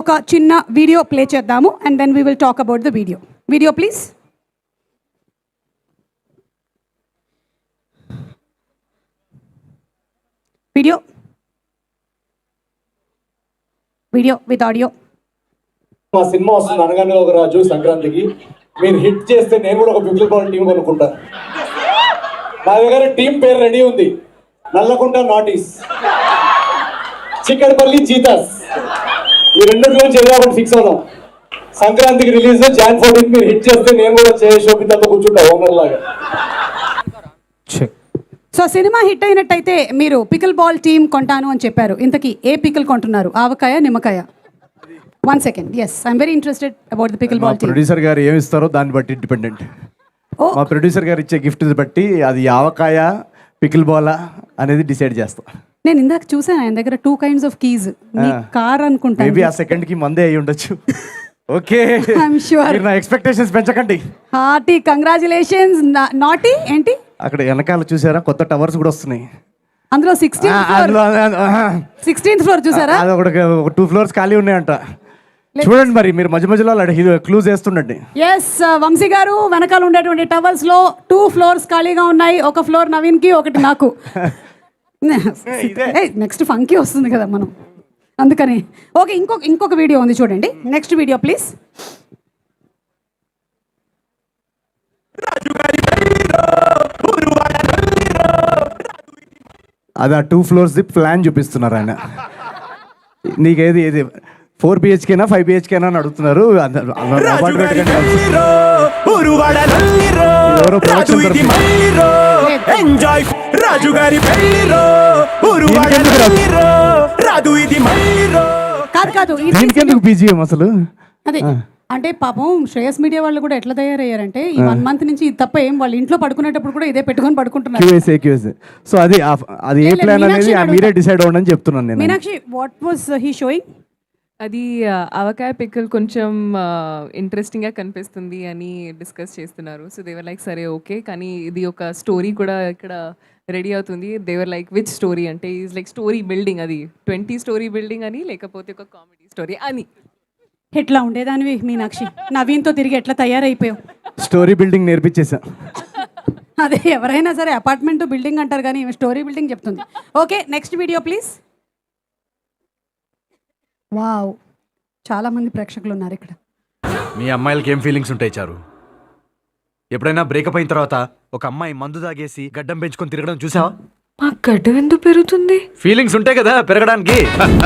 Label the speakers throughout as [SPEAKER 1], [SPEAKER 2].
[SPEAKER 1] ఒక చిన్న video play చేద్దాము and then we will talk about the video please. Video with audio.
[SPEAKER 2] మా సినిమా వస్తుంది అనగానే ఒక రాజు సంక్రాంతికి. మీరు హిట్ చేస్తే నేను కూడా ఒక పికిల్ బాల్ టీం కొనుక్కుంటాను. నా దగ్గర టీం పేరు రెడీ ఉంది. నల్లకుంట నాటీస్, చిక్కడపల్లి చీతాస్, ఈ రెండింటిలో చేద్దామని ఫిక్స్ అవుదాం. సంక్రాంతికి రిలీజ్ Jan 14 మీరు హిట్ చేస్తే నేను కూడా శోభితతో కూర్చుంటా ఓనర్ లాగా.
[SPEAKER 1] సో సినిమా హిట్ అయినట్టయితే మీరు పికిల్ బాల్ టీమ్ కొంటాను అని చెప్పారు. ఇంతకీ ఏ పికిల్ కొంటున్నారు? ఆవకాయ, నిమ్మకాయ? 1 second. Yes, I'm very interested about the pickle ball team.
[SPEAKER 3] Producer గారు ఏమి ఇస్తారో దాన్ని బట్టి డిపెండెంట్. మా ప్రొడ్యూసర్ గారు ఇచ్చే గిఫ్ట్ బట్టి అది ఆవకాయ, పికిల్ బాలా అనేది డిసైడ్ చేస్తాం.
[SPEAKER 1] నేను ఇందాక చూసాను ఆయన దగ్గర 2 kinds of keys. మీ కార్ అనుకుంటా.
[SPEAKER 3] మేబీ ఆ సెకండ్ కి మందే అయి ఉండొచ్చు. Okay,
[SPEAKER 1] I'm sure.
[SPEAKER 3] నా ఎక్స్పెక్టేషన్స్ పెంచకండి.
[SPEAKER 1] Hearty congratulations. నాటి ఏంటి
[SPEAKER 3] అక్కడ వెనకాల చూసారా కొత్త టవర్స్ కూడా వస్తున్నాయి.
[SPEAKER 1] అందులో 16th ఫ్లోర్ చూసారా?
[SPEAKER 3] అది ఒక 2 floors ఖాళీ ఉన్నాయంట. చూడండి మరి మీరు మధ్య మధ్యలో క్లూజ్ వేస్తుండండి.
[SPEAKER 1] ఎస్, వంశీ గారు వెనకాల ఉండేటువంటి టవర్స్ లో 2 floors ఖాళీగా ఉన్నాయి. ఒక ఫ్లోర్ నవీన్ కి, ఒకటి నాకు. నెక్స్ట్ ఫంకీ వస్తుంది కదా మనం, అందుకని. ఓకే, ఇంకొక వీడియో ఉంది చూడండి. Next video please.
[SPEAKER 3] అది ఆ 2 floors ప్లాన్ చూపిస్తున్నారు ఆయన. నీకేది 4 BHK 5 BHK అని అడుగుతున్నారు.
[SPEAKER 1] కాదు
[SPEAKER 3] BGM అసలు
[SPEAKER 1] అదే అంటే పాపం శ్రేయస్ మీడియా వాళ్ళు కూడా ఎట్లా తయారయ్యారంటే ఈ 1 month నుంచి ఇది తప్ప ఏం వాళ్ళు ఇంట్లో పడుకునేటప్పుడు కూడా ఇదే పెట్టుకొని పడుకుంటున్నారు.
[SPEAKER 3] సో అది ఏ ప్లాన్ అనేది మీరే డిసైడ్ అవ్వండి అని చెప్తున్నాను నేను.
[SPEAKER 1] Meenakshi, what was he showing?
[SPEAKER 4] అది ఆవకాయ పిక్కల్ కొంచెం ఇంట్రెస్టింగ్గా కనిపిస్తుంది అని డిస్కస్ చేస్తున్నారు. సో దేవర్ లైక్ సరే ఓకే, కానీ ఇది ఒక స్టోరీ కూడా ఇక్కడ రెడీ అవుతుంది. దేవర్ లైక్ విచ్ స్టోరీ అంటే ఈజ్ లైక్ స్టోరీ బిల్డింగ్, అది 20 story బిల్డింగ్ అని, లేకపోతే ఒక కామెడీ స్టోరీ అని.
[SPEAKER 1] ఎట్లా ఉండేదానివి మీనాక్షి? నవీన్తో తిరిగి ఎట్లా తయారైపోయావు?
[SPEAKER 3] Story building నేర్పించేసా.
[SPEAKER 1] అదే ఎవరైనా సరే అపార్ట్మెంట్ బిల్డింగ్ అంటారు కానీ స్టోరీ బిల్డింగ్ చెప్తుంది. Okay, next video please. Wow, చాలా మంది ప్రేక్షకులు ఉన్నారు ఇక్కడ.
[SPEAKER 5] మీ అమ్మాయిలకి ఏం ఫీలింగ్స్ ఉంటాయి చారు? ఎప్పుడైనా బ్రేకప్ అయిన తర్వాత ఒక అమ్మాయి మందు తాగేసి గడ్డం పెంచుకొని తిరగడం చూసావా?
[SPEAKER 4] మా గడ్డం ఎందుకు పెరుగుతుంది?
[SPEAKER 5] ఫీలింగ్స్ ఉంటాయి కదా పెరగడానికి.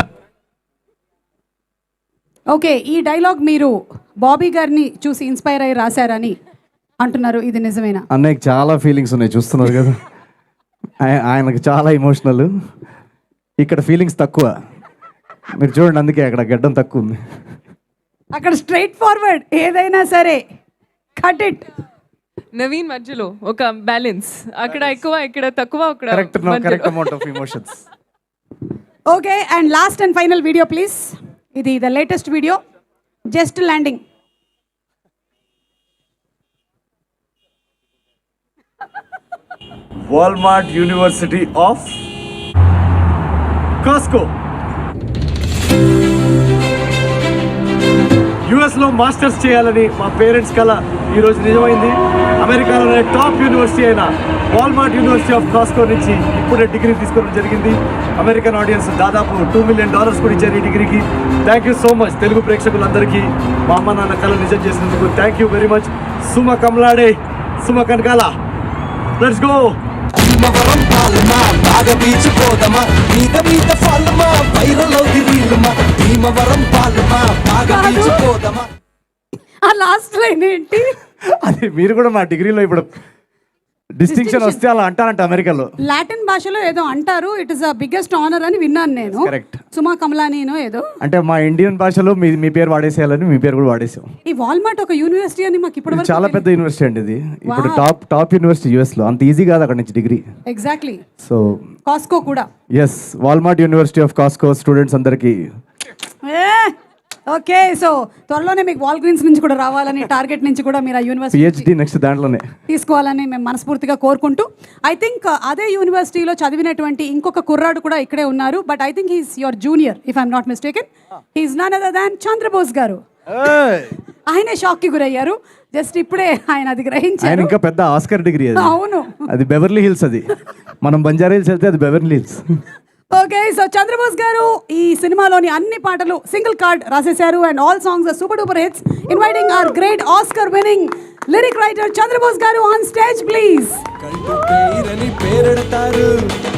[SPEAKER 1] ఓకే, ఈ డైలాగ్ మీరు బాబీ గారిని చూసి ఇన్స్పైర్ అయ్యి రాశారని అంటున్నారు. ఇది నిజమేనా?
[SPEAKER 3] అన్నయ్యకి చాలా ఫీలింగ్స్ ఉన్నాయి, చూస్తున్నారు కదా. ఆయనకు చాలా ఇమోషనల్. ఇక్కడ ఫీలింగ్స్ తక్కువ. మీరు చూడండి, అందుకే అక్కడ గడ్డం తక్కువ ఉంది.
[SPEAKER 1] అక్కడ స్ట్రైట్ ఫార్వర్డ్ ఏదైనా సరే కట్ ఇట్.
[SPEAKER 4] నవీన్ మధ్యలో ఒక బ్యాలెన్స్, అక్కడ ఎక్కువ ఇక్కడ తక్కువ.
[SPEAKER 3] Correct amount of emotions.
[SPEAKER 1] Okay, and last and final video please. ఇది the latest video, just landing.
[SPEAKER 3] Walmart university of Costco యుఎస్లో మాస్టర్స్ చేయాలని మా పేరెంట్స్ కల ఈరోజు నిజమైంది. అమెరికాలోనే టాప్ యూనివర్సిటీ అయిన వాల్మార్ట్ యూనివర్సిటీ ఆఫ్ కాస్కో నుంచి ఇప్పుడే డిగ్రీ తీసుకోవడం జరిగింది. అమెరికన్ ఆడియన్స్ దాదాపు $2 million కూడా ఇచ్చారు ఈ డిగ్రీకి. Thank you so much Telugu ప్రేక్షకులందరికీ మా అమ్మ నాన్న కళ నిజం చేసినందుకు thank you very much. Suma కమలాడే, సుమ కనకాల, లెట్స్ గో.
[SPEAKER 6] భీమవరం పాలమా బాగా బీచిపోదమా, మీద మీద ఫాలమా వైరల్ అవుది రీలమా. భీమవరం పాలమా బాగా బీచిపోదమా.
[SPEAKER 1] ఆ లాస్ట్ లైన్ ఏంటి?
[SPEAKER 3] అది మీరు కూడా మా డిగ్రీలో ఇప్పుడు డిస్టింక్షన్ వస్తే అలా అంటారంట అమెరికాలో.
[SPEAKER 1] లాటిన్ భాషలో ఏదో అంటారు, it is the biggest honour అని విన్నాను నేను.
[SPEAKER 3] కరెక్ట్.
[SPEAKER 1] సుమా కమలానీనో ఏదో
[SPEAKER 3] అంటే మా ఇండియన్ భాషలో మీ పేరు వాడేసేయాలని మీ పేరు కూడా వాడేసాం.
[SPEAKER 1] ఈ వాల్మార్ట్ ఒక యూనివర్సిటీ అని మాకు ఇప్పుడు
[SPEAKER 3] చాలా పెద్ద యూనివర్సిటీ అండి ఇది. ఇప్పుడు టాప్ యూనివర్సిటీ యుఎస్ లో. అంత ఈజీ కాదు అక్కడ నుంచి డిగ్రీ.
[SPEAKER 1] ఎగ్జాక్ట్లీ.
[SPEAKER 3] సో
[SPEAKER 1] కాస్కో కూడా.
[SPEAKER 3] Yes, Walmart university of Costco students అందరికి
[SPEAKER 1] ఓకే సో త్వరలోనే మీకు వాల్ గ్రీన్స్ నుంచి కూడా రావాలని టార్గెట్ నుంచి కూడా మీరు ఆ యూనివర్సిటీ
[SPEAKER 3] పిహెచ్డి నెక్స్ట్ దాంట్లోనే.
[SPEAKER 1] తీసుకోవాలని మేము మనస్ఫూర్తిగా కోరుకుంటూ ఐ థింక్ అదే యూనివర్సిటీలో చదివినటువంటి ఇంకొక కుర్రాడు కూడా ఇక్కడే ఉన్నారు but I think he's your junior if I'm not mistaken he's none other than Chandrabose garu. ఆయనే షాక్కి గురయ్యారు జస్ట్ ఇప్పుడే ఆయన అది
[SPEAKER 3] ఆయన
[SPEAKER 1] గ్రహించారు.
[SPEAKER 3] ఇంకా పెద్ద ఆస్కర్ డిగ్రీ అది.
[SPEAKER 1] అవును.
[SPEAKER 3] అది బెవర్లీ హిల్స్, అది మనం బంజారా హిల్స్ వెళ్తే అది Beverly Hills.
[SPEAKER 1] Okay so Chandrabose garu ఈ సినిమాలోని అన్ని పాటలు సింగిల్ కార్డ్ రాసేశారు and all songs are super duper hits. Inviting our great Oscar winning lyric writer Chandrabose garu on stage please.
[SPEAKER 6] కంటి పేరని పేరెడతారు